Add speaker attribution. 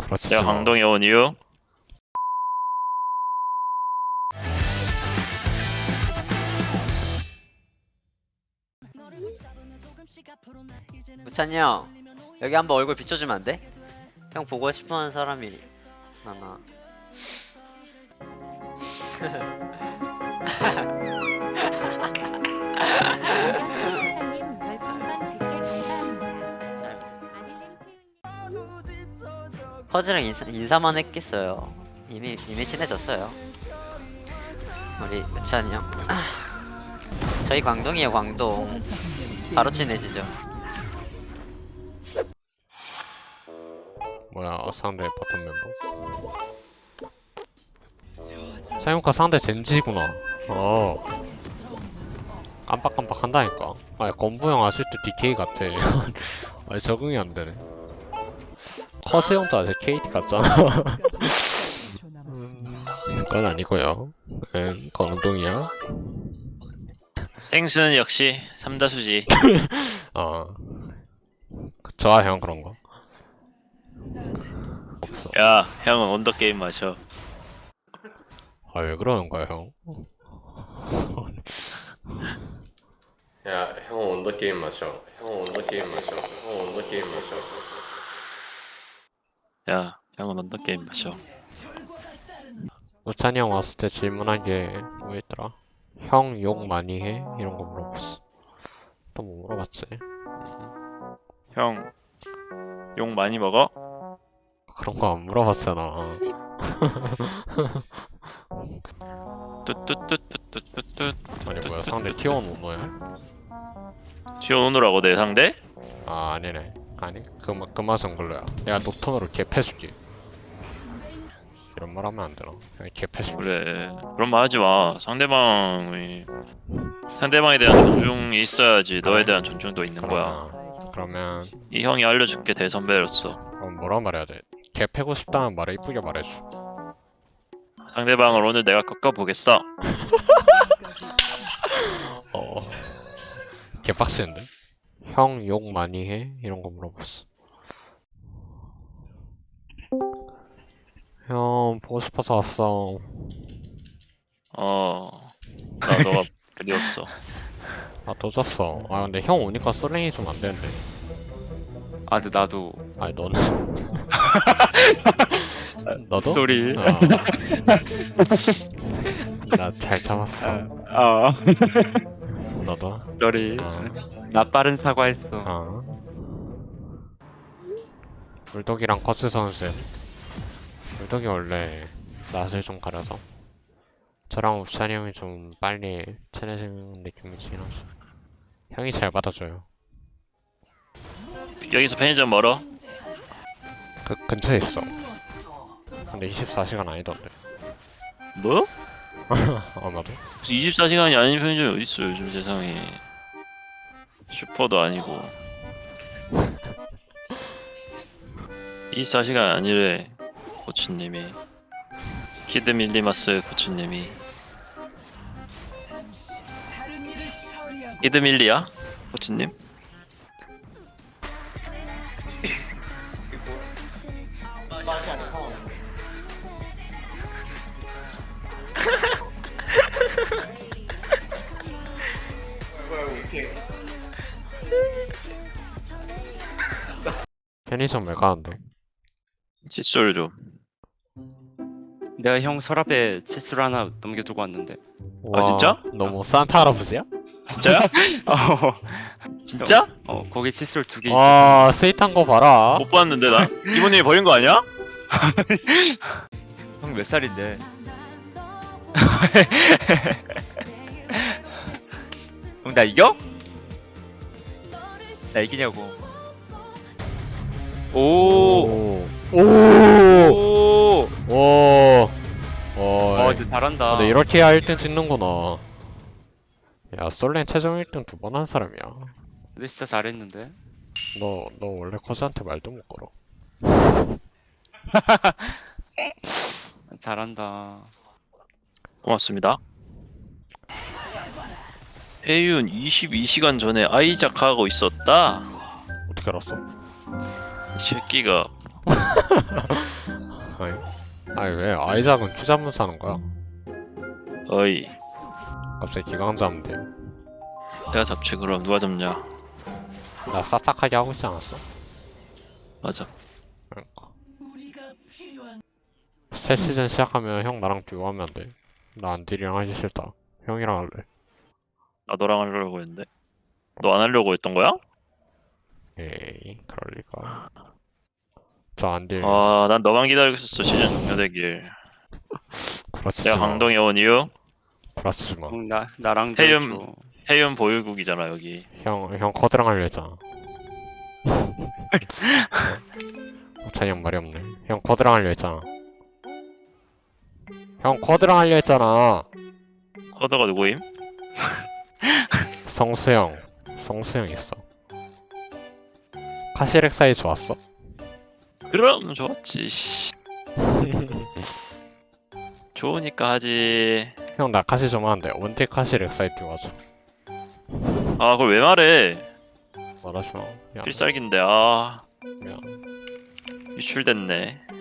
Speaker 1: 그렇지.
Speaker 2: 내가 강동에 온 이유?
Speaker 3: 우찬이 형 여기 한번 얼굴 비춰주면 안 돼? 형 보고 싶어하는 사람이 많아.
Speaker 4: 사님 별풍선 100개 감사합니다.
Speaker 3: 잘 퍼즈랑 인사만 했겠어요. 이미 친해졌어요. 우리 우찬이 형. 저희 광동이에요, 광동. 바로 친해지죠.
Speaker 1: 뭐야 상대 바텀 멤버. 사용카 상대 젠지구나. 깜빡깜빡 한다니까. 아 건부형 아직도 DK 같아. 아 적응이 안 되네. 커세형도 아직 KT 같잖아. 그건 아니고요. 그건 운동이야.
Speaker 2: 생수는 역시 삼다수지.
Speaker 1: 좋아 형 그런 거.
Speaker 2: 야, 형은 언더게임 마셔.
Speaker 1: 아 왜 그러는 거야 형? 야 형은 언더게임 마셔. 형은 언더게임 마셔. 형은 언더게임 마셔.
Speaker 2: 야, 형은 언더게임 마셔.
Speaker 1: 우찬이 형 왔을 때 질문한 게 뭐였더라? 형 욕 많이 해? 이런 거 물어봤어. 또 뭐 물어봤지?
Speaker 2: 형, 욕 많이 먹어?
Speaker 1: 그런 거 안 물어봤잖아.
Speaker 2: 뚜뚜뚜뚜뚜뚜뚜.
Speaker 1: 아니 뭐야 상대 T1 오너야?
Speaker 2: 지원오느라고 내 상대?
Speaker 1: 아 아니네. 아니 그 맛은 걸로야. 내가 녹턴으로 개패줄게. 이런 말 하면 안 되나? 그냥 개패줄게.
Speaker 2: 그래. 그런 말 하지 마. 상대방에 대한 존중이 있어야지 너에 대한 존중도 있는 거야.
Speaker 1: 그러면
Speaker 2: 이 형이 알려줄게 대선배로서.
Speaker 1: 뭐라 말해야 돼? 개 패고 싶다는 말을 이쁘게 말해줘.
Speaker 2: 상대방을 오늘 내가 꺾어보겠어.
Speaker 1: 개빡치는데? 형 욕 많이 해? 이런 거 물어봤어. 형 보고 싶어서 왔어.
Speaker 2: 나 너가 그리웠어.
Speaker 1: 아 도졌어. 아 근데 형 오니까 솔랭이 좀 안 되는데.
Speaker 5: 아, 근데 나도
Speaker 1: 아니 너는 너도?
Speaker 5: 쏘리.
Speaker 1: 나 잘 참았어. 너도?
Speaker 5: 쏘리.
Speaker 1: 어.
Speaker 5: 나 빠른 사과했어.
Speaker 1: 불독이랑 커츠 선수. 불독이 원래 낯을 좀 가려서 저랑 우찬이 형이 좀 빨리 친해지는 느낌이긴 하죠. 형이 잘 받아줘요.
Speaker 2: 여기서 편의점 멀어?
Speaker 1: 근처에 있어. 근데 24시간 아니던데.
Speaker 2: 뭐?
Speaker 1: 아마도?
Speaker 2: 24시간이 아닌 편의점이 어딨어 요즘 세상에. 슈퍼도 아니고 24시간 아니래 코치님이. 키드 밀리마스 코치님이. 키드 밀리야? 코치님?
Speaker 1: 편의점 왜 가는데?
Speaker 2: 칫솔 좀.
Speaker 5: 내가 형 서랍에 칫솔 하나 넘겨두고 왔는데.
Speaker 1: 와,
Speaker 2: 진짜?
Speaker 1: 너 뭐 산타 할아버지야?
Speaker 2: 진짜야? 진짜?
Speaker 5: 거기 칫솔 2개 있어.
Speaker 1: 와 스윗한 거 봐라.
Speaker 2: 못 봤는데 나? 이모님이 버린 거 아니야?
Speaker 5: 형 몇 살인데? 형 나 이겨? 나 이기냐고. 오.
Speaker 1: 오.
Speaker 5: 오.
Speaker 1: 오.
Speaker 5: 근데 잘한다.
Speaker 1: 근데 이렇게 해야 1등 찍는구나. 야 솔랭 최종 1등 2번 한 사람이야.
Speaker 5: 근데 진짜 잘했는데.
Speaker 1: 너 원래 커즈한테 말도 못 걸어.
Speaker 5: 잘한다.
Speaker 2: 고맙습니다. 혜윤 22시간 전에 아이작 하고 있었다.
Speaker 1: 어떻게 알았어?
Speaker 2: 이 새끼가
Speaker 1: 아니 왜 아이작은 키 잡으면 사는 거야?
Speaker 2: 어이
Speaker 1: 갑자기 기강 잡으면 돼요.
Speaker 2: 내가 잡지 그럼 누가 잡냐.
Speaker 1: 나 싹싹하게 하고 있지 않았어?
Speaker 2: 맞아.
Speaker 1: 그러니까. 새 시즌 시작하면 형 나랑 듀오하면 안 돼. 나 안딜이랑 하기 싫다. 형이랑 할래.
Speaker 2: 나 너랑 하려고 했는데 너 안 하려고 했던 거야?
Speaker 1: 에이 그럴 리가. 저 안딜.
Speaker 2: 난 너만 기다리고 있었어 시즌 종료되길.
Speaker 1: 구라치지
Speaker 2: 내가
Speaker 1: 마.
Speaker 2: 강동에 온 이유
Speaker 1: 구라치지 마.
Speaker 5: 나랑
Speaker 2: 해윤.
Speaker 5: 줘.
Speaker 2: 해윤 보유국이잖아 여기.
Speaker 1: 형 커드랑 하려 했잖아. 찬이 형 말이 없네. 형 커드랑 하려 했잖아. 형 커드랑 하려 했잖아.
Speaker 2: 허더가 누구임?
Speaker 1: 성수형. 성수형 있어. 카시렉 사이 좋았어?
Speaker 2: 그럼 좋았지. 씨. 좋으니까 하지.
Speaker 1: 형 나 카시 좀 하는데 원택 카시렉 사이 띄워줘.
Speaker 2: 그걸 왜 말해?
Speaker 1: 말하지 마. 야,
Speaker 2: 필살기인데
Speaker 1: 야.
Speaker 2: 유출됐네.